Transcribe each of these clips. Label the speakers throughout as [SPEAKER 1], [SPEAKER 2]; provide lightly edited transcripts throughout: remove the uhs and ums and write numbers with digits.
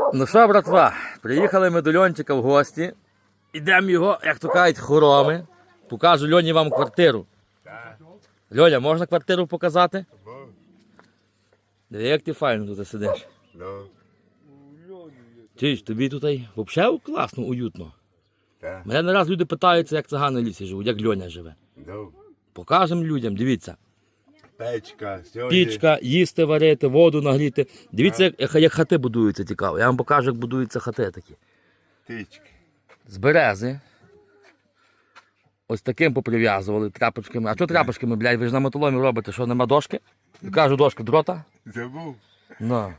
[SPEAKER 1] Ну що, братва, приїхали ми до Льончика в гості. Ідемо його, як то кажуть, хороми. Покажу Льоні вам квартиру. Льоня, можна квартиру показати? Диви, як ти файно тут сидиш. Чуєш, тобі тут взагалі класно, уютно. Мене не раз люди питаються, як цигани в лісі живуть, як Льоня живе. Покажемо людям, дивіться. Пічка, їсти варити, воду нагріти. Дивіться, як хати будуються, цікаво. Я вам покажу, як будуються хати такі. З берези. Ось таким поприв'язували тряпочками. А що тряпочками, блядь, ви ж на мотоломі робите, що нема дошки? Я кажу, дошка дрота.
[SPEAKER 2] Забув.
[SPEAKER 1] Ну.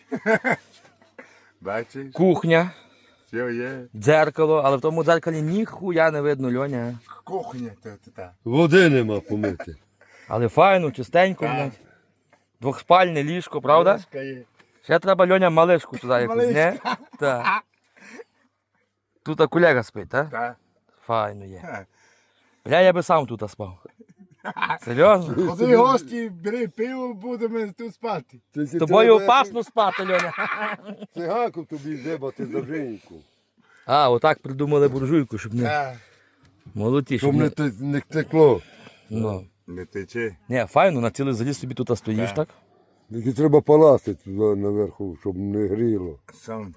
[SPEAKER 2] Бачиш?
[SPEAKER 1] Кухня,
[SPEAKER 2] Все є.
[SPEAKER 1] дзеркало, але в тому дзеркалі ніхуя не видно, Льоня.
[SPEAKER 2] Кухня та.
[SPEAKER 3] Води нема помити.
[SPEAKER 1] Але файно, чистенько, блядь. Двохспальне ліжко, правда?
[SPEAKER 2] Ложка є.
[SPEAKER 1] Ще треба, Льоня, малишку туди якусь, не? Так. Тут колега спить, так?
[SPEAKER 2] Та.
[SPEAKER 1] Файно є. Бля, я би сам тут спав. Серйозно?
[SPEAKER 2] Ходи гості, бери пиво, будемо тут спати.
[SPEAKER 1] З тобою опасно спати, Льоня.
[SPEAKER 3] Цигаку тобі здебати за жінку.
[SPEAKER 1] А, отак придумали буржуйку, щоб не...
[SPEAKER 2] Та.
[SPEAKER 1] Молоді,
[SPEAKER 3] Щоб
[SPEAKER 1] щоб не...
[SPEAKER 3] не текло.
[SPEAKER 1] Ну.
[SPEAKER 2] Не тече.
[SPEAKER 1] Ні, файно, на цілий заліз собі тут стоїш, так?
[SPEAKER 3] Тільки треба паласти туди наверху, щоб не гріло.
[SPEAKER 2] Сонце.